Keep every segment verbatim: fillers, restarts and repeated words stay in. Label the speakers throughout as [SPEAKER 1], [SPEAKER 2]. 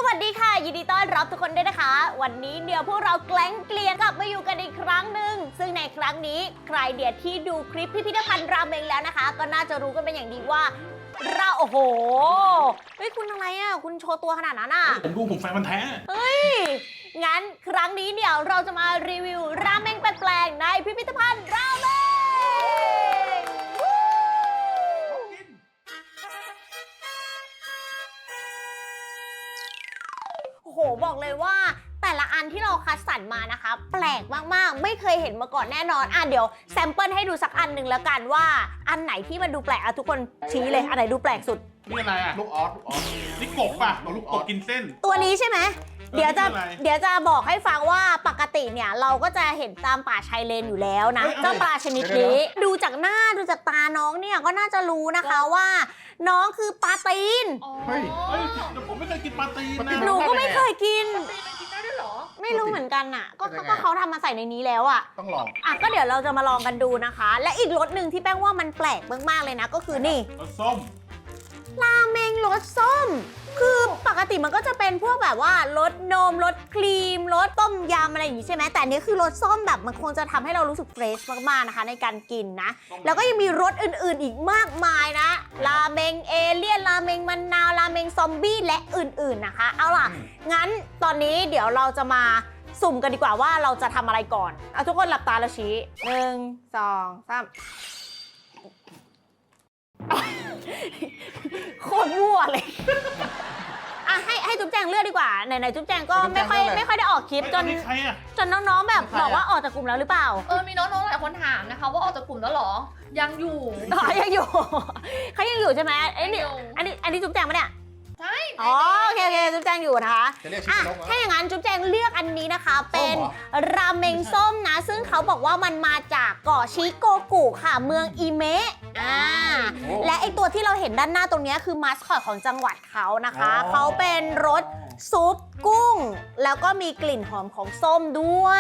[SPEAKER 1] วัสดีค่ะยินดีต้อนรับทุกคนด้วยนะคะวันนี้เดี๋ยวพวกเราแกล้งเกลียนกลับมาอยู่กันอีกครั้งหนึ่งซึ่งในครั้งนี้ใครเดียที่ดูคลิปพิพิธภัณฑ์ราเมงแล้วนะคะก็น่าจะรู้กันเป็นอย่างดีว่าเราโอ้โหเฮ้ยคุณอะไรอ่ะคุณโชว์ตัวขนาดนั้นอ่ะ
[SPEAKER 2] ผมดูผมแฟนมันแท้
[SPEAKER 1] เฮ้ยงั้นครั้งนี้เดี๋ยวเราจะมารีวิวราเมงแปลกๆในพิพิธภัณฑ์ราเมงโอ้โหบอกเลยว่าแต่ละอันที่เราคัดสรรมานะคะแปลกมากๆไม่เคยเห็นมาก่อนแน่นอนอ่ะเดี๋ยวแซมเปิลให้ดูสักอันหนึ่งแล้วกันว่าอันไหนที่มันดูแปลกอ่ะทุกคนชี้เลยอันไหนดูแปลกสุด
[SPEAKER 2] นี่อะไรอ่ะ
[SPEAKER 3] ลูกออสลูกออส
[SPEAKER 2] นี่กบป่ะเอาลูกกบกินเส้น
[SPEAKER 1] ตัวนี้ใช่ไหม
[SPEAKER 2] เออ
[SPEAKER 1] เดี๋ยวจะ
[SPEAKER 2] นี่คืออะไร
[SPEAKER 1] เดี๋ยวจะบอกให้ฟังว่าปกติเนี่ยเราก็จะเห็นตามป่าชายเลนอยู่แล้วนะ
[SPEAKER 2] เฮ้ยอะไร
[SPEAKER 1] เจ้าปลาชนิดนี้ดูจากหน้าดูจากตาน้องเนี่ยก็น่าจะรู้นะคะว่า น้องคือปลาตีน
[SPEAKER 3] เฮ้ย
[SPEAKER 2] เฮ้ยแต่ผมไม่เคยกินปลาตีนนะ
[SPEAKER 1] หนูก็ไม่เคยกิน
[SPEAKER 4] มันกินได้ด้วยเหรอ
[SPEAKER 1] ไม่รู้เหมือนกันอ่ะ ก็
[SPEAKER 3] เป็นยังไง
[SPEAKER 1] ก็เขาทำมาใส่ในนี้แล้วอ่ะ
[SPEAKER 3] ต้องลอง
[SPEAKER 1] อ่ะก็เดี๋ยวเราจะมาลองกันดูนะคะ และอีกรสหนึ่งที่แป้งว่ามันแปลกมากๆเลยนะ ก็คือนี่
[SPEAKER 2] รสส้ม
[SPEAKER 1] ราเมงรสส้ม คือปกติมันก็จะเป็นพวกแบบว่ารสนมรสครีมรสต้มยำอะไรอย่างนี้ใช่ไหมแต่อันนี้คือรสส้มแบบมันคงจะทำให้เรารู้สึกเฟรชมากๆนะคะในการกินนะ แล้วก็ยังมีรสอื่นๆอีกมากมายนะ ราเมงเอเลี่ยน ราเมงมะนาว ราเมงซอมบี้ และอื่นๆนะคะ เอาล่ะ งั้นตอนนี้เดี๋ยวเราจะมาสุ่มกันดีกว่าว่าเราจะทำอะไรก่อน เอาทุกคนหลับตาแล้วชี้หนึ่งสองสามโคตรมั่วเลย อ่ะให้ให้จุ๊บแจงเลือกดีกว่า ไหนๆจุ๊บแจงก็ไม่ค่อยไม่ค่อยได้ออกคลิปจน
[SPEAKER 2] เฮ้ยอันนี้ใครอ่ะ
[SPEAKER 1] จนน้องๆแบบบอกว่าออกจากกลุ่มแล้วหรือเปล่า
[SPEAKER 4] เออ มีน้องๆหลายคนถามนะคะ ว่าออกจากกลุ่มแล้วเหรอ ยังอยู่
[SPEAKER 1] อ๋อยังอยู่ เขายังอยู่ใช่ไหมไอ้นี่
[SPEAKER 4] ยังอยู่
[SPEAKER 1] อันนี้อันนี้จุ๊บแจงปะเนี่ย
[SPEAKER 4] ใช่
[SPEAKER 1] อ๋อโอเคโอเคจุ๊บแจงอยู่นะคะ
[SPEAKER 3] จะเรียกชื่
[SPEAKER 1] อ่ะ
[SPEAKER 3] อนกเหรอ
[SPEAKER 1] ถ้าอย่างนั้นจุ๊บแจงเลือกอันนี้นะคะ เป็น
[SPEAKER 3] ส้มเหรอ
[SPEAKER 1] ราเมงส้มนะ ซึ่งเขาบอกว่ามันมาจากเกาะชิโกกุค่ะ เมืองอิเมะอ่า
[SPEAKER 3] โอ้
[SPEAKER 1] และไอตัวที่เราเห็นด้านหน้าตรงนี้คือมาสคอตของจังหวัดเขานะคะ
[SPEAKER 3] อ๋อ
[SPEAKER 1] เขาเป็นรสซุปกุ้ง แล้วก็มีกลิ่นหอมของส้มด้วย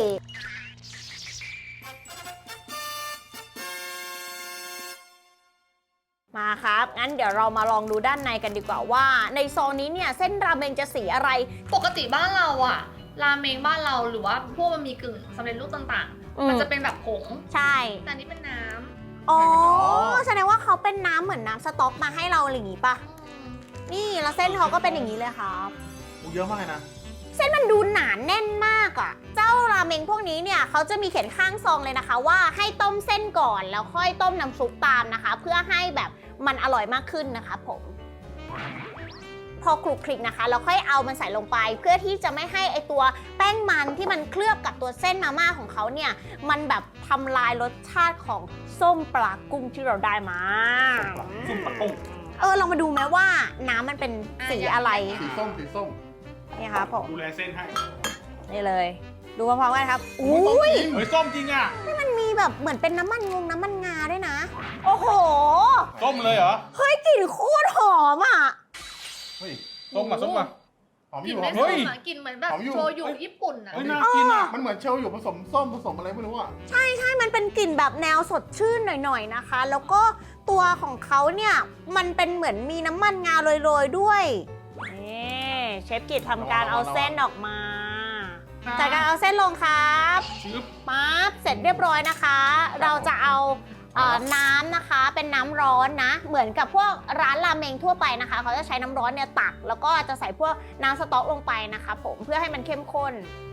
[SPEAKER 1] มาครับ งั้นเดี๋ยวเรามาลองดูด้านในกันดีกว่าว่า ในซองนี้เนี่ยเส้นราเมงจะสีอะไร
[SPEAKER 4] ปกติบ้านเราอะราเมงบ้านเราหรือว่าพวกมันมีกึ่งสำเร็จรูปต่าง
[SPEAKER 1] อืม
[SPEAKER 4] ๆ มันจะเป็นแบบผง
[SPEAKER 1] ใช่
[SPEAKER 4] แต่อันนี้เป็นน้ำ
[SPEAKER 1] อ๋อ
[SPEAKER 3] อ๋อ
[SPEAKER 1] แสดงว่าเขาเป็นน้ำเหมือนน้ำสต๊อกมาให้เราอะไรอย่างงี้ปะ
[SPEAKER 4] อืม
[SPEAKER 1] นี่แล้วเส้นเขาก็เป็นอย่างนี้เลยครับ
[SPEAKER 2] โอ้เยอะมากเลยนะ
[SPEAKER 1] เส้นมันดูหนาแน่นมากอะ่ะ เจ้าราเมงพวกนี้เนี่ยเขาจะมีเขียนข้างซองเลยนะคะ ว่าให้ต้มเส้นก่อนแล้วค่อยต้มน้ำซุปตามนะคะ เพื่อให้แบบมันอร่อยมากขึ้นนะคะผม พอคลุกคลิกนะคะเราค่อยเอามันใส่ลงไป เพื่อที่จะไม่ให้ไอตัวแป้งมันที่มันเคลือบกับตัวเส้นมาม่าของเขาเนี่ยมันแบบทำลายรสชาติของส้มปลากุ้งที่เราได้มา
[SPEAKER 2] ส้มปลากุ้ง
[SPEAKER 1] เออลองมาดูไหมว่าน้ำมันเป็นสีอะไร
[SPEAKER 3] สีส้มสีส้ม
[SPEAKER 1] นี่ครับผม
[SPEAKER 2] ดูแลเส้นให้
[SPEAKER 1] นี่เลย ดูพร้อมๆกันครับอุ้ย
[SPEAKER 2] เฮ้ยส้มจริงอ่ะ
[SPEAKER 1] มันมีแบบเหมือนเป็นน้ำมันงงน้ำมันงาด้วยนะ โอ้โห
[SPEAKER 2] ส้มเลยเหรอ
[SPEAKER 1] เฮ้ยกลิ่นโคตรหอมอ่ะ
[SPEAKER 3] เฮ้ย
[SPEAKER 2] ส้มมาส้มมา
[SPEAKER 3] หอมอก
[SPEAKER 4] ลิ่น
[SPEAKER 3] ยู่
[SPEAKER 4] ไม่
[SPEAKER 3] หอม
[SPEAKER 4] ส้
[SPEAKER 3] อยู่
[SPEAKER 4] มอะกลิ่นเหมือนแบบ
[SPEAKER 3] หอมอยู่
[SPEAKER 4] โชยุญี่ปุ่นอะ
[SPEAKER 2] เฮ้ยน่ากินอ่ะ
[SPEAKER 3] มันเหมือนเชลอยู่ผสมส้มผสมอะไรไม่รู้อ่ะ
[SPEAKER 1] ใช่ใช่มันเป็นกลิ่นแบบแนวสดชื่นหน่อยๆนะคะ แล้วก็ตัวของเขาเนี่ย มันเป็นเหมือนมีน้ำมันงาโรยๆด้วย นี่เชฟกิจทำการเอาเส้นออกมาจากการเอาเส้นลงครับ
[SPEAKER 2] ชึบ
[SPEAKER 1] ปั๊บเสร็จเรียบร้อยนะคะ เราจะเอาเอ่อน้ำนะคะ เป็นน้ำร้อนนะ เหมือนกับพวกร้านราเมงทั่วไปนะคะ เขาจะใช้น้ำร้อนเนี่ยตัก แล้วก็จะใส่พวกน้ำสต๊อกลงไปนะคะผมเพื่อให้มันเข้มข้น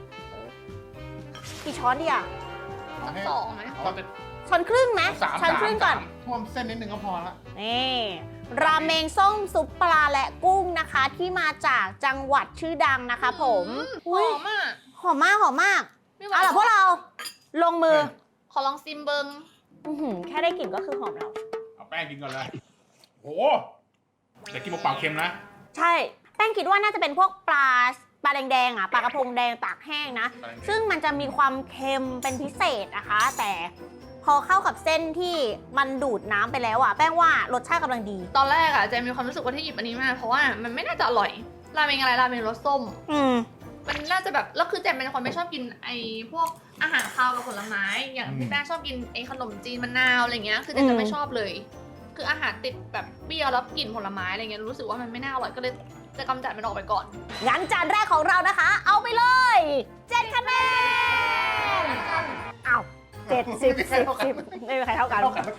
[SPEAKER 1] กี่ช้อนดีอะ
[SPEAKER 3] เอาให้
[SPEAKER 4] สองไหม
[SPEAKER 2] เขาจะ
[SPEAKER 1] ช้อนครึ่งไหม
[SPEAKER 2] สาม
[SPEAKER 1] ช้อนครึ่งก่อน
[SPEAKER 2] สาม
[SPEAKER 3] ท่วมเส้นนิดนึงก็พอละ
[SPEAKER 1] นี่ราเมงส้มซุปปลาและกุ้งนะคะ ที่มาจากจังหวัดชื่อดังนะคะผม
[SPEAKER 4] ห
[SPEAKER 1] อุ๊ย
[SPEAKER 4] อมอะ
[SPEAKER 1] หอมมากหอมมาก
[SPEAKER 4] ไม่ไหว
[SPEAKER 1] เอาล่ะพวกเราลงมือ
[SPEAKER 4] ขอลองซิมเบิง
[SPEAKER 1] อื้อหือแค่ได้กลิ่นก็คือหอมแล้ว
[SPEAKER 2] เอาแป้งกินก่อนเลยโอ้แต่กินเปล่าๆเค็มนะ
[SPEAKER 1] ใช่ แป้งคิดว่าน่าจะเป็นพวกปลาปลาแดงๆอ่ะปลากระพงแดงตากแห้งนะ
[SPEAKER 2] ปลาแดง
[SPEAKER 1] ซึ่งมันจะมีความเค็มเป็นพิเศษนะคะ แต่พอเข้ากับเส้นที่มันดูดน้ำไปแล้วอ่ะแป้งว่ารสชาติกำลังดี
[SPEAKER 4] ตอนแรกอะเจมีความรู้สึกว่าที่หยิบอันนี้มาเพราะว่ามันไม่น่าจะอร่อย ราเมงอะไรราเมงรสส้ม
[SPEAKER 1] อืม
[SPEAKER 4] มันน่าจะแบบแล้วคือแจมเป็นคนไม่ชอบกินไอ้พวกอาหารคาวกับผลไม้ อย่างพี่แป้งชอบกินไอ้ขนมจีนมะนาวอะไรเงี้ย คือแจมจะไม่ชอบเลย คืออาหารติดแบบเปรี้ยวแล้วกลิ่นผลไม้อะไรเงี้ยรู้สึกว่ามันไม่น่าอร่อยก็เลยจะกำจัดมันออกไปก่อน
[SPEAKER 1] งั้นจานแรกของเรานะคะ เอาไปเลยเจ็ดคะแนนอ้าวเจ็ดสิบสิบสิบไม่มีใครเท่ากัน
[SPEAKER 3] เท่ากัน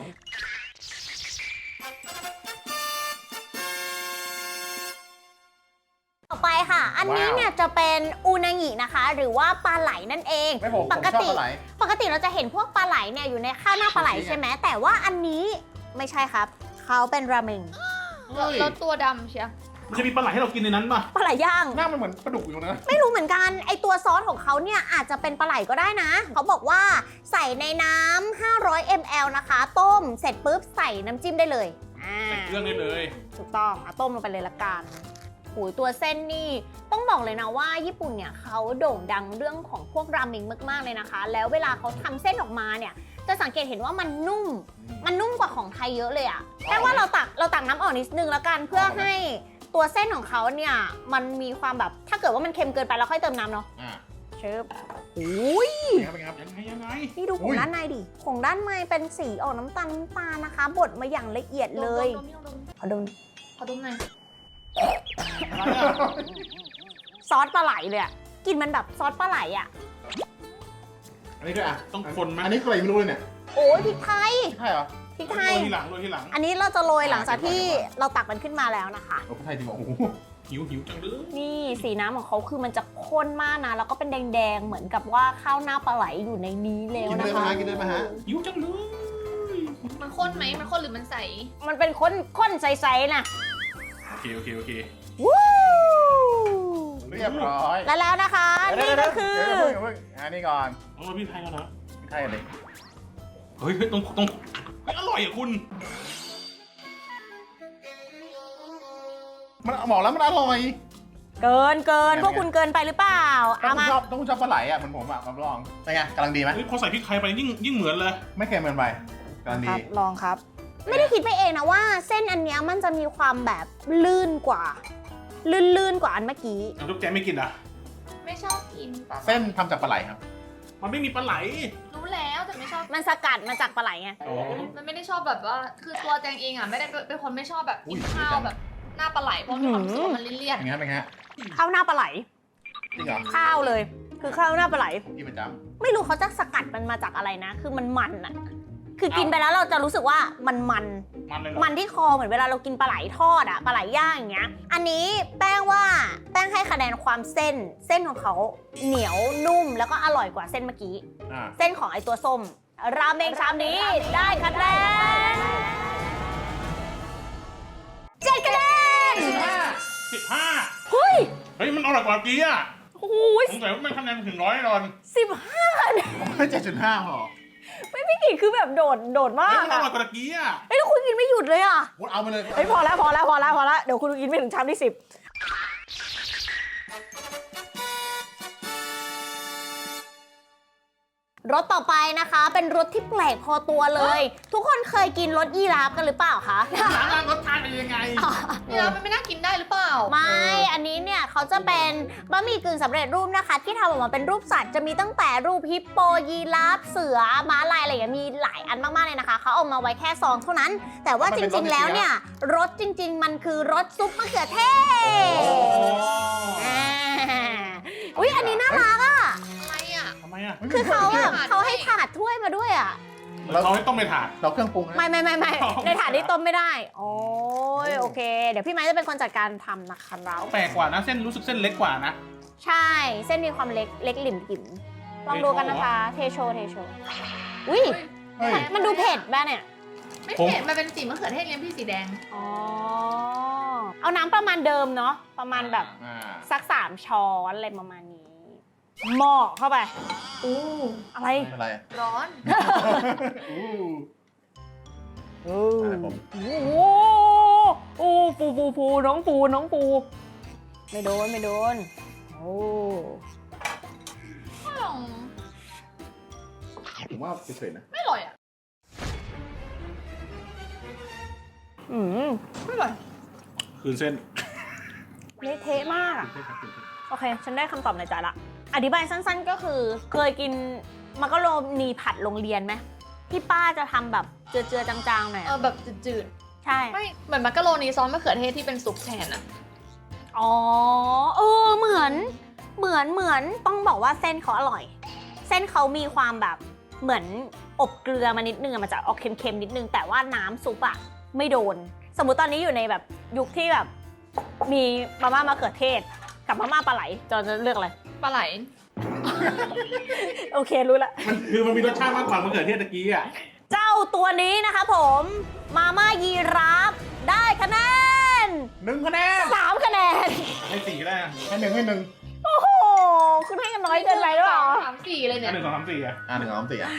[SPEAKER 1] ต่อไปค่ะ อันนี้เนี่ยจะเป็นอูนางินะคะ หรือว่าปลาไหลนั่นเอง
[SPEAKER 3] ไม่ผม
[SPEAKER 1] ป
[SPEAKER 3] ผม
[SPEAKER 1] ก
[SPEAKER 3] ชอบ
[SPEAKER 1] ติ
[SPEAKER 3] ปลาไหล
[SPEAKER 1] ปกติเราจะเห็นพวกปลาไหลเนี่ยอยู่ในข้าวหน้าปลาไหลใช่ไหมแต่ว่าอันนี้ไม่ใช่ครับเขาเป็นราเมง
[SPEAKER 3] เฮ้ย
[SPEAKER 4] แล้วตัวดำเชีย
[SPEAKER 2] มันจะมีปลาไหลให้เรากินในนั้นป่ะ
[SPEAKER 1] ปลาไหลย่าง
[SPEAKER 3] หน้ามันเหมือนปลาดุกอยู่นะ
[SPEAKER 1] ไม่รู้เหมือนกันไอตัวซอสของเขาเนี่ยอาจจะเป็นปลาไหลก็ได้นะ เขาบอกว่าใส่ในน้ำห้าร้อยมิลลิลิตร นะคะ ต้มเสร็จปุ๊บใส่น้ำจิ้มได้เลยอ่า
[SPEAKER 2] ใส่เครื่องได้เลย
[SPEAKER 1] ถูกต้องเอาต้มลงไปเลยละกันโอ้ยตัวเส้นนี่ต้องบอกเลยนะว่าญี่ปุ่นเนี่ยเขาโด่งดังเรื่องของพวกราเมงมากๆเลยนะคะ แล้วเวลาเขาทำเส้นออกมาเนี่ยจะสังเกตเห็นว่ามันนุ่ม มันนุ่มกว่าของไทยเยอะเลยอะแค่ว่าเราตักเราตักน้ำออกนิดนึงแล้วกันเพื่อให้ตัวเส้นของเขาเนี่ยมันมีความแบบถ้าเกิดว่ามันเค็มเกินไปเราค่อยเติมน้ำเนาะ
[SPEAKER 3] อ่า
[SPEAKER 1] เชิบโอ้ย
[SPEAKER 3] เป็นไงครับเป็นไงครับ
[SPEAKER 2] ยังไงยังไง
[SPEAKER 1] นี่ดูข
[SPEAKER 3] อุ้
[SPEAKER 1] อง
[SPEAKER 3] ย
[SPEAKER 1] ด้านในดิของด้านในเป็นสีออกน้ำตาลน้ำตาลนะคะ บดมาอย่างละเอียดเลย
[SPEAKER 4] ดมดมดม
[SPEAKER 1] ขอดู
[SPEAKER 4] ขอดมหน่อย
[SPEAKER 2] อะไรอ่ะ
[SPEAKER 1] ซอสปลาไหลเลยอะกลินมันแบบซอสปลาไหลอะ
[SPEAKER 3] อันนี้ด้วยอ่ะ
[SPEAKER 2] ต้องคนไหม
[SPEAKER 3] อันนี้อะไรไม่รู้เลยเนี่ย
[SPEAKER 1] โอ้ยพริกไทย
[SPEAKER 3] ใช่เหรอ
[SPEAKER 1] พริก
[SPEAKER 2] โร
[SPEAKER 1] ไทย
[SPEAKER 2] ยทีหลังโรยทีหลัง
[SPEAKER 1] อันนี้เราจะโรยหลังจากที่เราตักมันขึ้นมาแล้วนะคะ
[SPEAKER 3] โอ้คนไทยจริงเหรอโอ้โห
[SPEAKER 2] หิวหิวจังเลย
[SPEAKER 1] นี่สีน้ำของเขาคือมันจะข้นมากนะ แล้วก็เป็นแดงๆ เหมือนกับว่าข้าวหน้าปลาไหลอยู่ในนี้แล้ว
[SPEAKER 3] กินได้
[SPEAKER 1] นะ
[SPEAKER 3] ไหม
[SPEAKER 1] คะ
[SPEAKER 3] ฮะกินได้ไหมฮะ
[SPEAKER 2] หิวจังเลย
[SPEAKER 4] มันข้นไหมมันข้นหรือมันใส
[SPEAKER 1] มันเป็นข้นข้นใสๆนะ
[SPEAKER 2] โอเคโอเคโอเค
[SPEAKER 1] วู้
[SPEAKER 3] เรียบร้อย
[SPEAKER 1] และแล้วนะคะ นี่ก็คือ
[SPEAKER 3] เดี๋ยวเดี๋ยวเดี๋ยวเดี๋ยวเพิ่งอันนี้ก่อน
[SPEAKER 2] ต้องมาพี่ไทยแล้วนะ
[SPEAKER 3] ไม่ใช่เลย
[SPEAKER 2] เฮ้ยเฮ้ยต้องต้องเฮ้ยอร่อยอ่ะคุณ
[SPEAKER 3] มันบอกแล้วมันอร่อย
[SPEAKER 1] เกินเกิน
[SPEAKER 3] ยังไง
[SPEAKER 1] พวกคุณเกินไปหรือเปล่า
[SPEAKER 3] ต้อ
[SPEAKER 1] เอา
[SPEAKER 3] ง
[SPEAKER 1] มา
[SPEAKER 3] ชอบต้องชอบปลาไหลอ่ะเหมือนผมอ่ะมาลองเป็นไงกำลังดีไหม
[SPEAKER 2] เฮ้ยพอใส่พริกไทยไปยิ่งยิ่งเหมือนเลย
[SPEAKER 3] ไม่เค็มเกินไปกำลัง
[SPEAKER 1] ค
[SPEAKER 3] ดี
[SPEAKER 1] รับลองครับ ไม่ได้คิดไปเองนะว่า เส้นอันเนี้ยมันจะมีความแบบลื่นกว่า ลื่นๆกว่าอันเมื่อกี้
[SPEAKER 2] น้ำทุกแจไม่กินอ่ะ
[SPEAKER 4] ไม่ชอบกินปลา
[SPEAKER 3] เส้นทำจากปลาไหลครับ
[SPEAKER 2] มันไม่มีปลาไหล
[SPEAKER 4] รู้แล้วแต่ไม่ชอบ
[SPEAKER 1] มันสกัดมาจากปลาไหลไง
[SPEAKER 2] อ๋อ
[SPEAKER 4] มันไม่ได้ชอบแบบว่า คือตัวแจงเองอ่ะไม่ได้เป็นคนไม่ชอบแบบ
[SPEAKER 3] อุ้
[SPEAKER 4] กิ
[SPEAKER 3] ย
[SPEAKER 4] นข้าวแบบหน้าปลาไหลเพราะมีความรู้สึกว่ามันเลี่ยน
[SPEAKER 3] เป็นไงเป็นไงฮะ
[SPEAKER 1] ข้าวหน้าปลาไหล
[SPEAKER 3] จริงเหรอ
[SPEAKER 1] ข้าวเลย คือข้าวหน้าปลาไหล
[SPEAKER 3] กินประจ
[SPEAKER 1] ไม่รู้เขาจะสกัดมันมาจากอะไรนะ คือมันมันอะคือกินไปแล้วเราจะรู้สึกว่ามันมัน
[SPEAKER 2] มันเลยเหรอ
[SPEAKER 1] มันที่คอเหมือนเวลาเรากินปลาไหลทอดอะปลาไหลย่างอย่างเงี้ย อันนี้แป้งว่าแป้งให้คะแนนความเส้น เส้นของเขาเหนียวนุ่มแล้วก็อร่อยกว่าเส้นเมื่อกี้
[SPEAKER 3] ำอ่า
[SPEAKER 1] เส้นของไอตัวส้ม ราเมงชามนี้ได้คะแนนเจ็ดคะแนน
[SPEAKER 2] สิบห้า
[SPEAKER 1] เฮ้ย
[SPEAKER 2] เฮ้ยมันอร่อยกว่าเมื่อกี้อ่ะ
[SPEAKER 1] โอ้ย
[SPEAKER 2] สงสัยว่ามันคะแนนถึงร้อยแน่นอน
[SPEAKER 1] สิบห้าคะแนน
[SPEAKER 3] ผมให้เจ็ดจุดห้าพอ
[SPEAKER 1] พี่กิจคือแบบโดดโดดมา
[SPEAKER 2] เฮ้ย
[SPEAKER 1] ก
[SPEAKER 2] มันอ
[SPEAKER 1] อะ
[SPEAKER 2] ร่อยกว่าเมื่อกี้อ่ะ
[SPEAKER 1] เฮ้ยแล้วคุณกินไม่หยุดเลยอะ
[SPEAKER 3] พูดเอาไปเลย
[SPEAKER 1] เฮ้ยพอแล้วพอแล้วพอแล้วพอแล้วเดี๋ยวคุณกินไม่ถึงชามที่สิบรสต่อไปนะคะ เป็นรสที่แปลกพอตัวเลย ทุกคนเคยกินรสยีราฟกันหรือเปล่าคะ
[SPEAKER 2] ร้านรสชาติเป็นยังไง
[SPEAKER 4] นี่แล้วมันไม่น่ากินได้หรือเปล่า
[SPEAKER 1] ไม่ อันนี้เนี่ยเขาจะเป็นบะหมี่กึ่งสำเร็จรูปนะคะ ที่ทำออกมาเป็นรูปสัตว์จะมีตั้งแต่รูปฮิปโปยีราฟเสือม้าลายอะไรอย่างเงี้ยมีหลายอันมากๆเลยนะคะเขาเอามาไว้แค่ซองเท่านั้น แต่ว่าจริงๆแล้วเนี่ยรสจริง ๆ มันคือรสซุปมะเขือเทศอ่าอุ๊ยอันนี้น่ารักอ่ะ
[SPEAKER 4] อะไรอ่ะ
[SPEAKER 2] ทำไมอ่ะ
[SPEAKER 1] คือเขาแบบ
[SPEAKER 4] ถาด
[SPEAKER 1] เขาให้ถาดถ้วยมาด้วยอ่ะ
[SPEAKER 2] เราให้ต้องไปถาด
[SPEAKER 3] เราเครื่องปรุงนะ
[SPEAKER 1] ไม่ไม่ไม่ไม่
[SPEAKER 2] อ๋อ
[SPEAKER 1] ในถาดนี้ต้มไม่ได้ โอ้ยโอเค เดี๋ยวพี่ไม้จะเป็นคนจัดการทำนะคะเรา
[SPEAKER 2] แปลกกว่านะเส้นรู้สึกเส้นเล็กกว่านะ
[SPEAKER 1] ใช่ เส้นมีความเล็กเล็กหลิมหลิมลองดูกันนะคะ เทโชเทโชอุ้ย
[SPEAKER 3] เฮ้ย
[SPEAKER 1] มันดูเผ็ดบ้าเนี่ย
[SPEAKER 4] ไม่เผ็ดมันเป็นสีมะเขือเทศเลี้ยงพี่สีแดง
[SPEAKER 1] อ๋อ เอาน้ำประมาณเดิมเนาะ ประมาณแบบ
[SPEAKER 3] อ่า
[SPEAKER 1] สักสามช้อนอะไรประมาณนี้หม้อเข้าไป
[SPEAKER 4] อู้
[SPEAKER 1] อะไร
[SPEAKER 3] ไม่เป็นไร
[SPEAKER 4] ร้อน
[SPEAKER 3] อู้
[SPEAKER 1] โอ้
[SPEAKER 3] อะไรผม
[SPEAKER 1] โหโอ้ปูปูปูน้องปูน้องปู ไม่โดนไม่โดน โอ้
[SPEAKER 3] ผมว่าเฉยๆนะ
[SPEAKER 4] ไม่อร่อยอ่ะ
[SPEAKER 1] อืม
[SPEAKER 4] ไม่อร่อย
[SPEAKER 2] คืนเส้น
[SPEAKER 1] เละเทะมากอะโอเค ฉันได้คำตอบในใจละ อธิบายสั้นๆก็คือ เคยกินมักกะโรนีผัดโรงเรียนไหมที่ป้าจะทำแบบเจือๆจางๆหน่อย
[SPEAKER 4] เอ
[SPEAKER 1] อะ
[SPEAKER 4] อแบบจืด
[SPEAKER 1] ใช่
[SPEAKER 4] ๆ ไม่ เหมือนมักกะโรนีซอสมะเขือเทศที่เป็นซุปแทนอ่ะ
[SPEAKER 1] อ๋อเออเหมือนเหมือนเหมือนต้องบอกว่าเส้นเขาอร่อย เส้นเขามีความแบบเหมือนอบเกลือมานิดนึงอะมันจะออกเค็มๆนิดนึงแต่ว่าน้ำซุปอะไม่โดน สมมุติตอนนี้อยู่ในแบบยุคที่แบบมีมาม่ามะเขือเทศกับมาม่าปลาไหลจอจะเลือกอะไร
[SPEAKER 4] ปลาไหล
[SPEAKER 1] โอเครู้ละ
[SPEAKER 2] มันคือมันมีรสชาติมากกว่ามะเขือเทศตะกี้อ่ะ
[SPEAKER 1] เจ้าตัวนี้นะคะผมมาม่ายีราฟได้คะแนน
[SPEAKER 3] หนึ่งคะแนน
[SPEAKER 1] สามคะแนน
[SPEAKER 2] ให้สี่ก็ได้นะ
[SPEAKER 3] ให้หนึ่งให้หนึ่ง
[SPEAKER 1] โอ้โหคุณให้กันน้อยเกินไปหรือเปล่า
[SPEAKER 4] สามสี่เลยเนี่
[SPEAKER 2] อั
[SPEAKER 4] ย
[SPEAKER 2] นหนึ่งสองสามสี่อ่ะ
[SPEAKER 3] อ่าหนึ่งสองสามสี่อ่ะ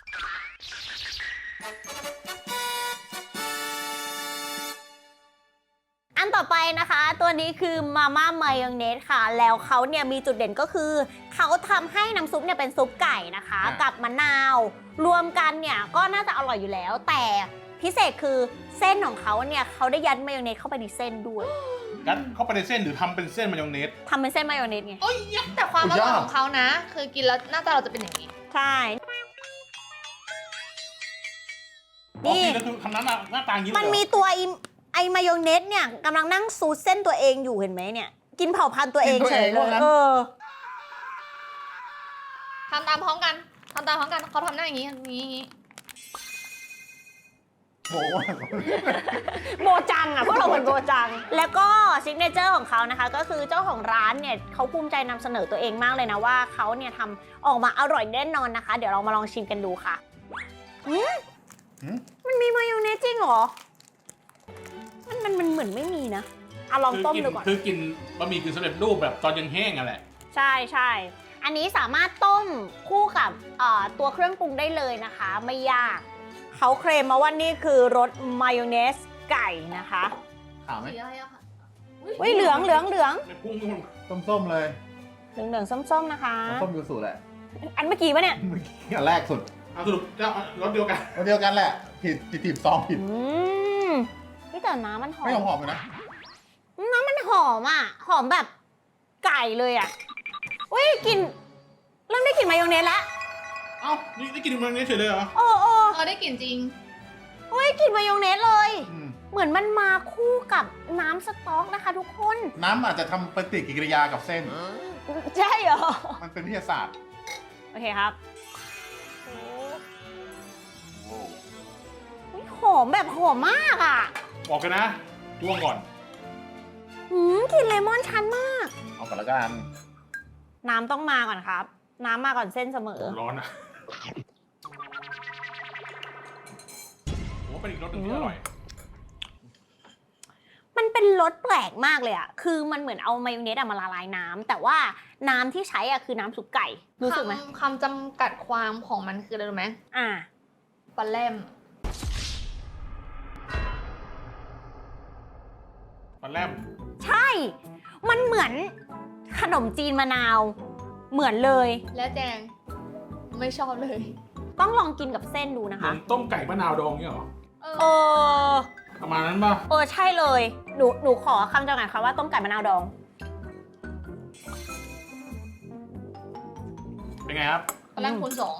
[SPEAKER 1] อันต่อไปนะคะ ตัวนี้คือมาม่ามายองเนสค่ะ แล้วเขาเนี่ยมีจุดเด่นก็คือเขาทำให้น้ำซุปเนี่ยเป็นซุปไก่นะคะ กับมะนาว รวมกันเนี่ยก็น่าจะอร่อยอยู่แล้ว แต่พิเศษคือเส้นของเขาเนี่ยเขาได้ยัดมายองเนสเข้าไปในเส้นด้วย
[SPEAKER 2] กัดเข้าไปในเส้นหรือทำเป็นเส้นมายองเนส
[SPEAKER 1] ทำเป็นเส้นมายองเนสไง
[SPEAKER 4] โอ้ยแต่ความอร่อยของเขานะ คือกินแล้วหน้าตาเราจะเป็นอย่างนี้
[SPEAKER 1] ใช่
[SPEAKER 2] อ๋อ
[SPEAKER 1] นี่
[SPEAKER 2] กินแล้วคือทำน้ำหน้าหน้าตาอย่างนี้เลย
[SPEAKER 1] มัน
[SPEAKER 2] เหรอ
[SPEAKER 1] มีตัวไอไอมายองเนสเนี่ยกำลังนั่งซูดเส้นตัวเองอยู่เห็นไหมเนี่ย กินเผ่าพันธุ์ตัวเองเฉยเลยเออ
[SPEAKER 4] ทำตามพร้อมกัน ทำตามพร้อมกัน เขาทำหน้าอย่างนี้ อย่างนี้อย่างนี้
[SPEAKER 3] โอ้โห
[SPEAKER 1] โบจังอ่ะพวกเราเหมือนโบจัง แล้วก็ซิกเนเจอร์ของเขานะคะ ก็คือเจ้าของร้านเนี่ยเขาภูมิใจนำเสนอตัวเองมากเลยนะว่าเขาเนี่ยทำออกมาอร่อยแน่นอนนะคะ เดี๋ยวเรามาลองชิมกันดูค่ะอืม
[SPEAKER 3] หืม
[SPEAKER 1] มันมีมายองเนสจริงเหรอ มันมันมันเหมือนไม่มีนะเอาลองต้มดูก่อน
[SPEAKER 2] คือกินบะหมี่กึ่งสำเร็จรูปแบบตอนยังแห้งอ่ะแหละ
[SPEAKER 1] ใช่ใช่อันนี้สามารถต้มคู่กับเอ่อตัวเครื่องปรุงได้เลยนะคะ ไม่ยาก เขาเคลมมาว่านี่คือรสมายองเนสไก่นะคะ
[SPEAKER 3] ขาวไหม
[SPEAKER 4] สีอะไรอะค่ะ
[SPEAKER 1] อุ้ยเหลืองเหลืองเหลือง
[SPEAKER 2] ในพุ่งทุกคน
[SPEAKER 3] ส้มๆเลย
[SPEAKER 1] เหลืองเหลืองส้มๆนะคะ
[SPEAKER 3] ส้มยูสุแหละ
[SPEAKER 1] อันเมื่อกี้ปะเนี่ย
[SPEAKER 3] เมื่อกี้อันแรกสุด
[SPEAKER 2] เอาสรุปเจ้ารสเดียวกัน
[SPEAKER 3] อันเดียวกันแหละผิดผิดผิดซองผิด
[SPEAKER 1] อืมพี่แต่น้ำมันหอ
[SPEAKER 3] ไม่หอ
[SPEAKER 1] ม
[SPEAKER 3] มๆเลยนะ
[SPEAKER 1] น้ำมันหอมอ่ะ หอมแบบไก่เลยอ่ะอุ้ยกลินเริ่มได้กลิ่นมายองเนสแล้ว
[SPEAKER 2] เอ้านี่ได้กินมายองเนสเฉยเลยเหรอ
[SPEAKER 1] โอ้โอ้
[SPEAKER 4] เออได้กลิ่นจริง
[SPEAKER 1] อุ้ยกลิ่นมายองเนสเลย
[SPEAKER 3] อืม
[SPEAKER 1] เหมือนมันมาคู่กับน้ำสต๊อกนะคะทุกคน
[SPEAKER 3] น้ำอาจจะทำปฏิกิริยากับเส้น
[SPEAKER 1] ใช่เหรอ
[SPEAKER 3] มันเป็นวิทยาศาสตร์
[SPEAKER 1] โอเคครับ
[SPEAKER 3] โอ้
[SPEAKER 1] อุ๊ยหอมแบบหอมมากอ่ะ
[SPEAKER 2] บอกกันนะจ้วงก่อน
[SPEAKER 1] หืมกลิ่นเลมอนชันมาก
[SPEAKER 3] เอาก่อนละกัน
[SPEAKER 1] น้ำต้องมาก่อนครับ น้ำมาก่อนเส้นเสมอ
[SPEAKER 2] ร้อนอ่ะโอ้เป็นอีกรสหนึงที่อร่อย
[SPEAKER 1] มันเป็นรสแปลกมากเลยอ่ะ คือมันเหมือนเอามายองเนสอะมาละลายน้ำแต่ว่าน้ำที่ใช้อ่ะคือน้ำซุปไก่ รู้สึกไหม
[SPEAKER 4] คำคำจำกัดความของมันคืออะไรรู้ไหม
[SPEAKER 1] อ่า
[SPEAKER 4] ปลาแรม
[SPEAKER 2] ปลาแรม
[SPEAKER 1] ใช่ มันเหมือนขนมจีนมะนาว เหมือนเลย
[SPEAKER 4] และแจง ไม่ชอบเลย
[SPEAKER 1] ต้องลองกินกับเส้นดูนะ
[SPEAKER 2] เหมื
[SPEAKER 1] คะ
[SPEAKER 2] อนต้มไก่มะนาวดองเนี่ยเหรอ
[SPEAKER 4] เอ
[SPEAKER 1] เอ
[SPEAKER 4] อ
[SPEAKER 1] อ
[SPEAKER 2] ประมาณนั้นป่ะ
[SPEAKER 1] เออ ใช่เลย หนู หนูขอคำจำกัดคำว่าต้มไก่มะนาวดอง
[SPEAKER 2] เป็นไงครับ
[SPEAKER 4] ปลาแรมคูณสอง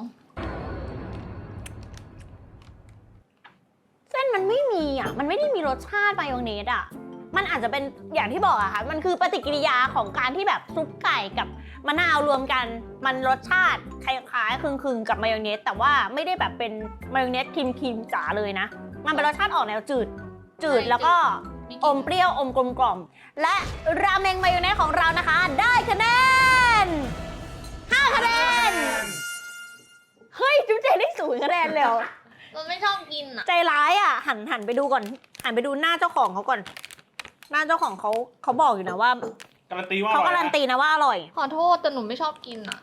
[SPEAKER 1] เส้นมันไม่มีอ่ะ มันไม่ได้มีรสชาติมายองเนสอ่ะ มันอาจจะเป็นอย่างที่บอกอะค่ะ มันคือปฏิกิริยาของการที่แบบซุปไก่กับมะนาวรวมกัน มันรสชาติคล้ายๆคลึงๆกับมายองเนส แต่ว่าไม่ได้แบบเป็นมายองเนสครีมๆจ๋าเลยนะ มันเป็นรสชาติออกแนวจืด จืดแล้วก็อมเปรี้ยวอมกลมกล่อม และราเมงมายองเนสของเรานะคะ ได้คะแนนห้าคะแนน เฮ้ยจุ๊บเจได้ศูนย์คะแนนเลยเหรอ
[SPEAKER 4] เราไม่ชอบกินอ่ะ
[SPEAKER 1] ใจร้ายอ่ะ หันหันไปดูก่อน หันไปดูหน้าเจ้าของเขาก่อน หน้าเจ้าของเขาเขาบอกอยู่นะว่า
[SPEAKER 2] การันตีว่าอ
[SPEAKER 1] เขา
[SPEAKER 2] ร่อย
[SPEAKER 1] การันตีนะว่าอร่อย
[SPEAKER 4] ขอโทษแต่หนูไม่ชอบกินอ่ะ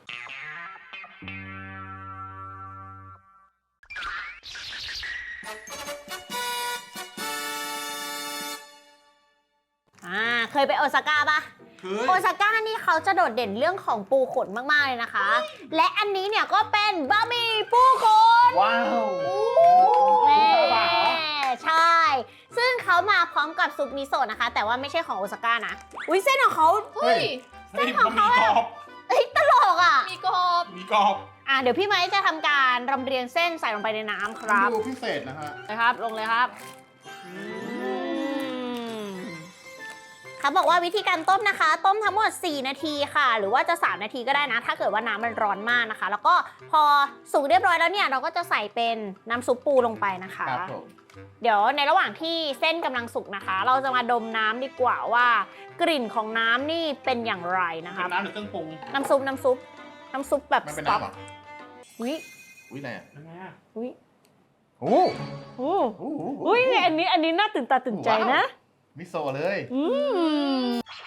[SPEAKER 1] อ่า เคยไปโอซาก้าปะ
[SPEAKER 2] คือ
[SPEAKER 1] โอซาก้านี่เขาจะโดดเด่นเรื่องของปูขนมากๆเลยนะคะ และอันนี้เนี่ยก็เป็นบะหมี่ปูขน
[SPEAKER 3] ว้าว
[SPEAKER 1] แม่ใช่ ซึ่งเขามาพร้อมกับซุปมิโซะนะคะ แต่ว่าไม่ใช่ของโอซาก้านะ อุ้ยเส้นของเขา
[SPEAKER 4] เฮ้ย
[SPEAKER 2] เฮ้ยมันมีกรอบ
[SPEAKER 1] เอ้ยตลกอ่ะ
[SPEAKER 4] มีกรอบ
[SPEAKER 2] มีกรอบ
[SPEAKER 1] อ่ะเดี๋ยวพี่ไม้จะทำการรำเรียงเส้นใส่ลงไปในน้ำครับ
[SPEAKER 3] ดูพิเศษนะฮะ
[SPEAKER 1] นะครับ ลงเลยครับเขาบอกว่าวิธีการต้มนะคะ ต้มทั้งหมดสี่นาทีค่ะ หรือว่าจะสามนาทีก็ได้นะ ถ้าเกิดว่าน้ำมันร้อนมากนะคะ แล้วก็พอสุกเรียบร้อยแล้วเนี่ยเราก็จะใส่เป็นน้ำซุปปูลงไปนะคะ
[SPEAKER 3] ครับผม
[SPEAKER 1] เดี๋ยวในระหว่างที่เส้นกำลังสุกนะคะ เราจะมาดมน้ำดีกว่าว่ากลิ่นของน้ำนี่เป็นอย่างไรนะคะ
[SPEAKER 2] เป็นน้ำหรือเครื่องปรุง
[SPEAKER 1] น้ำซุปน้ำซุปน้ำซุปแบบ
[SPEAKER 3] มัน
[SPEAKER 1] ส
[SPEAKER 3] เป็น
[SPEAKER 1] ต๊อก
[SPEAKER 3] น้ำเหรอ
[SPEAKER 1] อุ้ย
[SPEAKER 3] อุ้ยอะไรอ่ะ
[SPEAKER 2] ยังไงอะ
[SPEAKER 1] อุ้ย
[SPEAKER 3] โอ้
[SPEAKER 1] โอ้
[SPEAKER 3] โห
[SPEAKER 1] อุ้ยอันนี้อันนี้น่าตื่นตาตื่นใจนะ
[SPEAKER 3] มิโซะเลย
[SPEAKER 1] อืม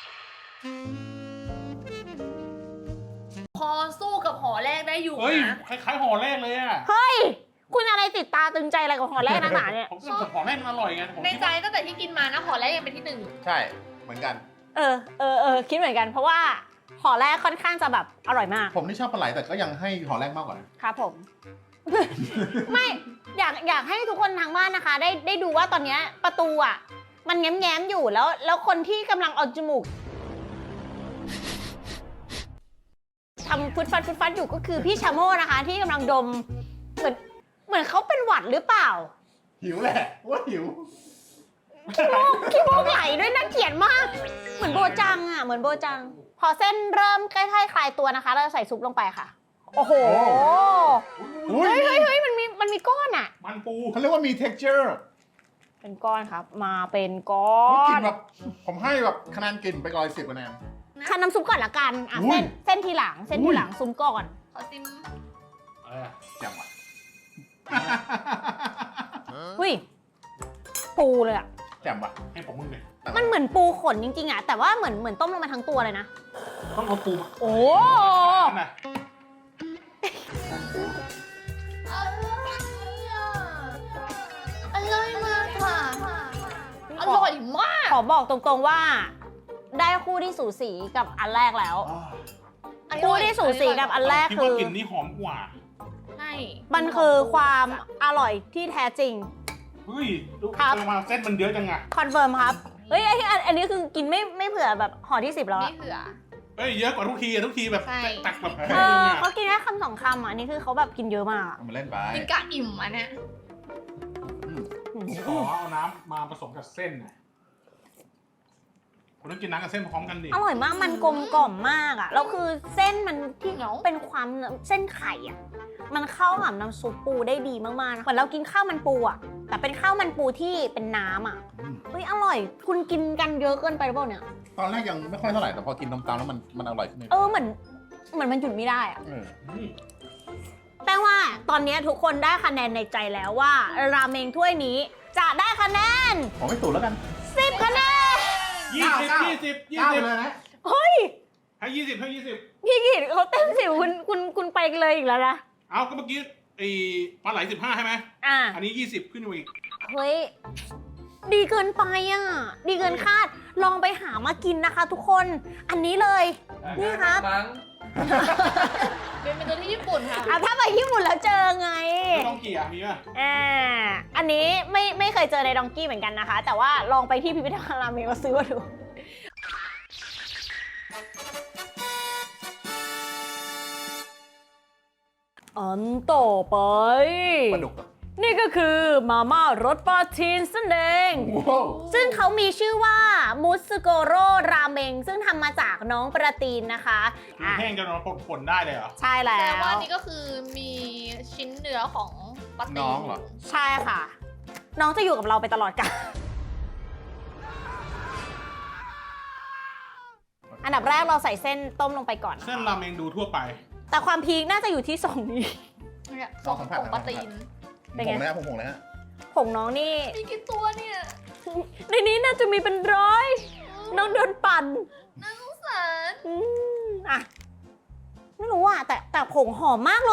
[SPEAKER 4] พอสู้กับหอแรกได้อยู่
[SPEAKER 2] เฮ้ย
[SPEAKER 4] นะ
[SPEAKER 2] คล้ายๆห่อแรกเลยอะ
[SPEAKER 1] เฮ้ย คุณอะไรติดตาตึงใจอะไรกับหอแรกนักหนาเนี่ย
[SPEAKER 2] ผมก็ห่อแรกมันอร่อยไงผม
[SPEAKER 4] ใน
[SPEAKER 2] คิด
[SPEAKER 4] ใจ
[SPEAKER 2] ว่า
[SPEAKER 4] ตั้งแต่ที่กินมานะหอแรกยังเป็นที่หนึ่ง
[SPEAKER 3] ใช่ เหมือนกัน
[SPEAKER 1] เออเออเออคิดเหมือนกันเพราะว่าหอแรกค่อนข้างจะแบบอร่อยมาก
[SPEAKER 3] ผมนี่ชอบปลาไหลแต่ก็ยังให้หอแรกมากกว่านะ
[SPEAKER 1] ครับผม ไม่อยากอยากให้ทุกคนทางบ้านนะคะ ได้ได้ดูว่าตอนเนี้ยประตูอ่ะ มันแง้มแง้มๆอยู่แล้ว แล้วคนที่กำลังเอาจมูกทำฟุดฟัดฟุดฟัดอยู่ก็คือพี่ชาโม่นะคะ ที่กำลังดม เหมือนเหมือนเขาเป็นหวัดหรือเปล่า
[SPEAKER 3] หิวแหละว่าหิว
[SPEAKER 1] ขี้มูกขี้มูกไหลด้วยน่าเกลียดมาก เหมือนโบจังอ่ะเหมือนโบจัง พอเส้นเริ่มใกล้ๆคลายตัวนะคะ เราจะใส่ซุปลงไปค่ะ โอ้โห
[SPEAKER 3] อุ้ย
[SPEAKER 1] เฮ้ยเฮ้ยเฮ้ยมันมีมันมีก้อนอ่ะ
[SPEAKER 2] มันปู
[SPEAKER 3] เขาเรียกว่ามี texture
[SPEAKER 1] เป็นก้อนครับ มาเป็นก้อ
[SPEAKER 3] เฮ้ยกลิ
[SPEAKER 1] น
[SPEAKER 3] นแบบผมให้แบบคะแนนกลิ่นไปร้อยสิบคะแนน
[SPEAKER 1] ทานน้ำซุปก่อนละกันอ่ะ
[SPEAKER 3] อุ้
[SPEAKER 1] เส้
[SPEAKER 3] ย
[SPEAKER 1] นเส้นทีหลัง เส้นทีหลังซุปก่อน
[SPEAKER 4] ขอซิม
[SPEAKER 2] อะไรอะ
[SPEAKER 3] จังหวะ
[SPEAKER 1] อุ้ยปูเลยอ่ะ
[SPEAKER 3] แจ่มว่ะ
[SPEAKER 2] ให้ผมมึงเลย
[SPEAKER 1] มันเหมือนปูขนจริงๆอ่ะแต่ว่าเหมือนเหมือนต้มลงมาทั้งตัวเลยนะ
[SPEAKER 2] ต้องเอาปูมา
[SPEAKER 1] โอ้
[SPEAKER 2] นั่นน่ะ
[SPEAKER 4] อร่อยมากค่ะ อร่อยมาก
[SPEAKER 1] ขอบอกตรงๆว่า ได้คู่ที่สูสีกับอันแรกแล้ว คู่ที่สูสีกับอันแรก
[SPEAKER 2] คิด
[SPEAKER 1] คื
[SPEAKER 2] ว่า
[SPEAKER 1] อ
[SPEAKER 2] กลิ่นนี้หอมกว่า
[SPEAKER 4] ใช่
[SPEAKER 1] มันคือความอร่อยที่แท้จริง
[SPEAKER 2] เฮ้ยดู
[SPEAKER 1] ครับ
[SPEAKER 2] ทำไมเส้นมันเยอะจังอะ
[SPEAKER 1] คอนเฟิร์มครับ เฮ้ยไอ้ที่อันอันนี้คือกินไม่ไม่เผื่อแบบห่อที่สิบแล้ว
[SPEAKER 4] ไม่
[SPEAKER 1] อะ
[SPEAKER 4] เผื่อ
[SPEAKER 2] เฮ้ยเยอะกว่าทุกทีอะทุกทีแบบ
[SPEAKER 4] ใช่
[SPEAKER 2] ตักแบบ
[SPEAKER 1] เออเขากินแค่คำสองคำอ่ะอันนี้คือเขาแบบกินเยอะมากอะ
[SPEAKER 3] เอามาเล่นไป
[SPEAKER 4] กินกะอิ่มอันเนี้ย
[SPEAKER 2] ขอเอาน้ำมาผสมกับเส้นน่ะคุณต้องกินน้ำกับเส้นพร้อมกันดิ
[SPEAKER 1] อร่อยมากมันกลมกล่อมมากอ่ะแล้วคือเส้นมันที่
[SPEAKER 4] เหนียว
[SPEAKER 1] เป็นความเส้นไข่อ่ะมันเข้ากับน้ำซุปปูได้ดีมากๆนะเหมือนเรากินข้าวมันปูอ่ะแต่เป็นข้าวมันปูที่เป็นน้ำอ่ะ
[SPEAKER 3] อืม
[SPEAKER 1] เฮ้ยอร่อย คุณกินกันเยอะเกินไปหรือเปล่าเนี่ย
[SPEAKER 3] ตอนแรกยังไม่ค่อยเท่าไหร่แต่พอกินตามๆแล้วมันมันอร่อยขึ้นเลย
[SPEAKER 1] เออเหมือนเหมือนมันหยุดไม่ได้อ่ะ
[SPEAKER 3] เออ
[SPEAKER 2] อืม
[SPEAKER 1] แปลว่าตอนนี้ทุกคนได้คะแนนในใจแล้วว่าราเมงถ้วยนี้จะได้คะแนน
[SPEAKER 3] ผมไม่สูตรแล้วกัน
[SPEAKER 1] สิบคะแนน
[SPEAKER 2] ยี่สิบ
[SPEAKER 3] เก้า
[SPEAKER 2] ยี่สิบยี่
[SPEAKER 3] เก้า
[SPEAKER 2] สิบ
[SPEAKER 3] เลยนะ
[SPEAKER 1] เฮ้ย
[SPEAKER 2] ให้ยี่สิบให้ยี่สิบ
[SPEAKER 1] พี่กิตเขาเต็มสิบคุณคุณคุณไปเลยอีกแล้วนะ
[SPEAKER 2] เอาก็เมื่อกี้ไอ้ปลาไหลสิบห้าใช่ไหม
[SPEAKER 1] อ่ะ
[SPEAKER 2] อันนี้ยี่สิบขึ้นมาอีก
[SPEAKER 1] เฮ้ย ดีเกินไปอ่ะ ดีเกินคาด ลองไปหามากินนะคะทุกคน อันนี้เลย นี่ครับ
[SPEAKER 4] เป็นเป็นตัวที่ญี่ปุ่นค่ะ
[SPEAKER 1] อ่ะถ้าไปญี่ปุ่นแล้วเจอไง
[SPEAKER 2] ไม่ต้องเกี่ยมีป่ะ
[SPEAKER 1] อ่า อันนี้ไม่ไม่เคยเจอในดองกี้เหมือนกันนะคะ แต่ว่าลองไปที่พิพิธภัณฑ์ราเมงมาซื้อมาดู อันต่อไป
[SPEAKER 3] ปลาดุกเหรอ
[SPEAKER 1] นี่ก็คือมาม่ารสปลาทีนนั่นเอง
[SPEAKER 3] ว้าว
[SPEAKER 1] ซึ่งเขามีชื่อว่ามุสโกโรราเมงซึ่งทำมาจากน้องประตีนนะคะ
[SPEAKER 2] คือ
[SPEAKER 1] อ่ะ
[SPEAKER 2] แห้งจนเราผลได้เลยเหรอ
[SPEAKER 1] ใช่แล้
[SPEAKER 4] แต่
[SPEAKER 1] ว
[SPEAKER 4] ว่านี่ก็คือมีชิ้นเนื้อของปลาตี
[SPEAKER 3] น้องเหรอ
[SPEAKER 1] ใช่ค่ะ น้องจะอยู่กับเราไปตลอดกาลอันดับแรกเราใส่เส้นต้มลงไปก่อนนะ
[SPEAKER 2] เส้น
[SPEAKER 1] คะ
[SPEAKER 2] ราเมงดูทั่วไป
[SPEAKER 1] แต่ความพีคน่าจะอยู่ที่สองนี้
[SPEAKER 4] เนี่ย
[SPEAKER 3] ลองสัมผัส
[SPEAKER 4] ของปลาตีน
[SPEAKER 1] เป็น
[SPEAKER 3] ผ
[SPEAKER 1] ไง
[SPEAKER 3] งนะผมผงนะฮะ
[SPEAKER 1] ผงน้องนี่
[SPEAKER 4] มีกี่ตัวเนี่ย
[SPEAKER 1] ในนี้น่าจะมีเป็นร้อย น้องโดนปั่น
[SPEAKER 4] น่าสงสาร
[SPEAKER 1] อืมอ่ะ ไม่รู้อ่ะ แต่แต่ผงหอมมากเลย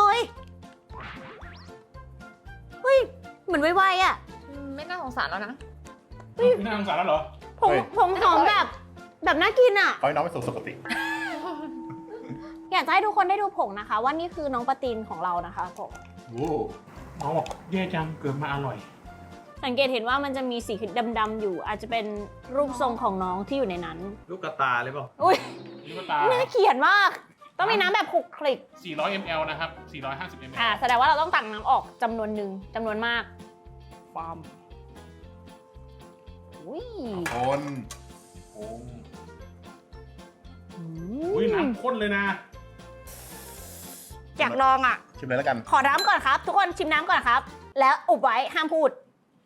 [SPEAKER 1] เฮ้ย เหมือนไวๆอ่ะ
[SPEAKER 4] อืมไม่น่าสงสารแล้วนะ
[SPEAKER 2] ไม่น่าสงสารแล้วเหรอ
[SPEAKER 1] ผงผงหอมแบบ แบบน่ากินอ่ะ
[SPEAKER 3] ขอให้น้องไปสู่สุคติ
[SPEAKER 1] อยากจะให้ทุกคนได้ดูผงนะคะ ว่านี่คือน้องปะตินของเรานะคะผง
[SPEAKER 3] โอ้
[SPEAKER 2] หมอบอกแย่จังเกิดมาอร่อย
[SPEAKER 1] สังเกตเห็นว่ามันจะมีสีดำๆอยู่ อาจจะเป็นรูปทรงของน้องที่อยู่ในนั้น
[SPEAKER 5] ลูกกระตาเลยเปล่า
[SPEAKER 1] อุ้ย
[SPEAKER 2] นี่ก็ตา
[SPEAKER 1] น่าเขียนมาก ต้องมีน้ำแบบคลุกคลิก
[SPEAKER 2] สี่ร้อยมิลลิลิตร นะครับ สี่ร้อยห้าสิบมิลลิลิตร
[SPEAKER 1] อ่าแสดงว่าเราต้องตักน้ำออกจำนวนหนึ่งจำนวนมากปามอุ้ย
[SPEAKER 3] คน
[SPEAKER 2] โอ้อุ้ยน้ำข้นเลยนะ
[SPEAKER 1] อยากลองอ่ะ
[SPEAKER 3] ชิมเลยแล้วกัน
[SPEAKER 1] ขอน้ำก่อนครับ ทุกคนชิมน้ำก่อนครับ แล้วอุบไว้ห้ามพูด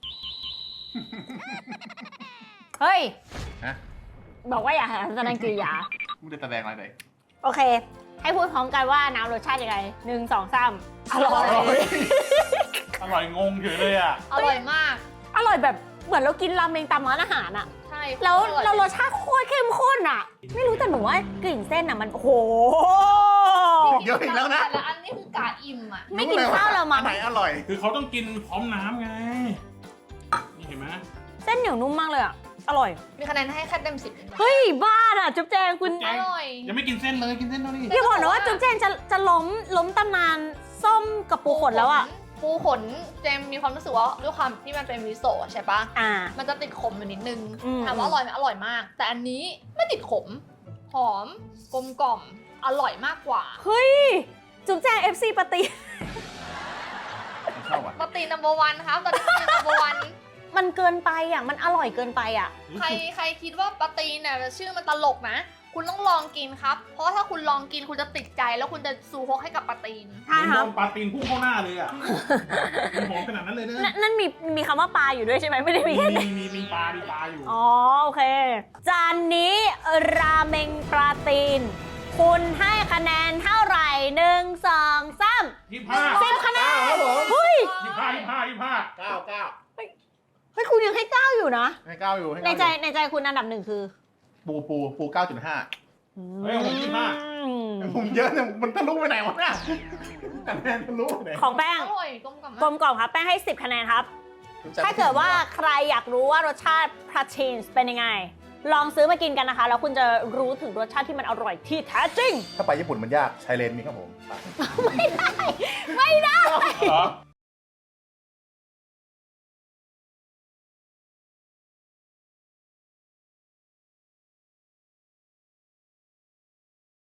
[SPEAKER 1] เฮ้ย
[SPEAKER 3] ฮะ
[SPEAKER 1] บอกว่าอย่าแสดงกิริยา
[SPEAKER 3] ไม่ได้แสดงอะไรเลย
[SPEAKER 1] โอเค ให้พูดพร้อมกันว่าน้ำรสชาติยังไงหนึ่งสองสามอร่อย
[SPEAKER 2] อร่อยงงเฉยเลยอ่ะ
[SPEAKER 4] อร่อยมาก
[SPEAKER 1] อร่อยแบบเหมือนเรากินราเมงตามร้านอาหารอะ
[SPEAKER 4] ใช่
[SPEAKER 1] แล้ว
[SPEAKER 4] ออย
[SPEAKER 1] เรารสชาติโคตรเข้มข้นอะไม่รู้แต่หนูว่ากลิ่นเส้นอะมันโอ้โห
[SPEAKER 3] เยอะอีกแล้วนะ
[SPEAKER 4] แต่ละอันนี่คือกาอิ่มอ่ะ
[SPEAKER 1] ไม่กินข้าวเรามั้ง
[SPEAKER 3] อันไหนอร่อย
[SPEAKER 2] คือเขาต้องกินพร้อมน้ำไง นี่เห็นไหม
[SPEAKER 1] เส้นเหนียวนุ่มมากเลยอะอร่อย
[SPEAKER 4] มีคะแนนให้แค่เต็มสิบ
[SPEAKER 1] เฮ้ยบ้าอะจุ๊บแจงคุณ
[SPEAKER 2] แจ
[SPEAKER 4] อง ร่อย
[SPEAKER 2] ยังไม่กินเส้นเลยกินเส้นแล้วนี่
[SPEAKER 1] อย่าบอกนะว่าจุ๊บแจงจะจะล้มล้มตำนานส้มกับปูขนแล้วอะ
[SPEAKER 4] ปูขนเจมมีความรู้สึกว่าด้วยความที่มันเป็นมิโซะใช่ปะ
[SPEAKER 1] อ่า
[SPEAKER 4] มันจะติดขมอยู่นิดนึง
[SPEAKER 1] อืม
[SPEAKER 4] ถามว่าอร่อยไหมอร่อยมาก แต่อันนี้ไม่ติดขม หอม กลมกล่อม อร่อยมากกว่า
[SPEAKER 1] เฮ้ย จุ๊บแจง เอฟ ซี ปฏิ
[SPEAKER 3] ผมชอบอ่ะ
[SPEAKER 4] ปกติ number one ครับ ตอนนี้ปกติ number one
[SPEAKER 1] มันเกินไปอะมันอร่อยเกินไปอะ
[SPEAKER 4] ใครใครคิดว่าปาตีนเนี่ยชื่อมันตลกนะ คุณต้องลองกินครับ เพราะว่าถ้าคุณลองกินคุณจะติดใจแล้วคุณจะซูฮกให้กับปาตีน
[SPEAKER 1] ใช่ครับ
[SPEAKER 2] โดนปลาตีนพุ่งเข้าหน้าเลยอ่ะมันหอมขนาดนั้นเลยนะ
[SPEAKER 1] นั่นนั่นมีมีคำว่าปลาอยู่ด้วยใช่ไหมไม่ได้มี
[SPEAKER 2] มี
[SPEAKER 1] แค่
[SPEAKER 2] มีมีมีปลา มีปลาอยู่
[SPEAKER 1] อ๋อโอเค จานนี้ราเมงปลาตีน คุณให้คะแนนเท่าไหร่หนึ่งสองสาม
[SPEAKER 2] ยี่ห้า
[SPEAKER 1] สิบคะแนน
[SPEAKER 3] ครับผม
[SPEAKER 1] เฮ้ย
[SPEAKER 2] ยี่ห้ายี่ห้ายี่ห้า
[SPEAKER 3] เก้าเก้า
[SPEAKER 1] เฮ้ยคุณยังให้เก้าอยู่นะ
[SPEAKER 3] ให้เก้าอยู่ให้
[SPEAKER 1] ใน
[SPEAKER 3] เก้า
[SPEAKER 1] ใจ
[SPEAKER 3] อยู่
[SPEAKER 1] ในใจคุณอันดับหนึ่งคือ
[SPEAKER 3] ปูปูปูเก้าจุดห้า
[SPEAKER 2] เฮ้ยผมยี่ห้า
[SPEAKER 1] อืม
[SPEAKER 3] ผมเยอะเนี่ยมันทะลุไปไหนวะเนี่ยคะแนนทะลุไปไหน
[SPEAKER 1] ของแป้ง
[SPEAKER 4] อร่อยกลมกล่อม
[SPEAKER 1] กล
[SPEAKER 4] มาก
[SPEAKER 1] มกล่อมครับ แป้งให้สิบคะแนนครับ ถ้าเกิดว่าใครอยากรู้ว่ารสชาติพราชีนเป็นยังไง ลองซื้อมากินกันนะคะ แล้วคุณจะรู้ถึงรสชาติที่มันอร่อยที่แท้จริง
[SPEAKER 3] ถ้าไปญี่ปุ่นมันยากชายเลนมีครับผม
[SPEAKER 1] ไม่ได้
[SPEAKER 2] เหรอ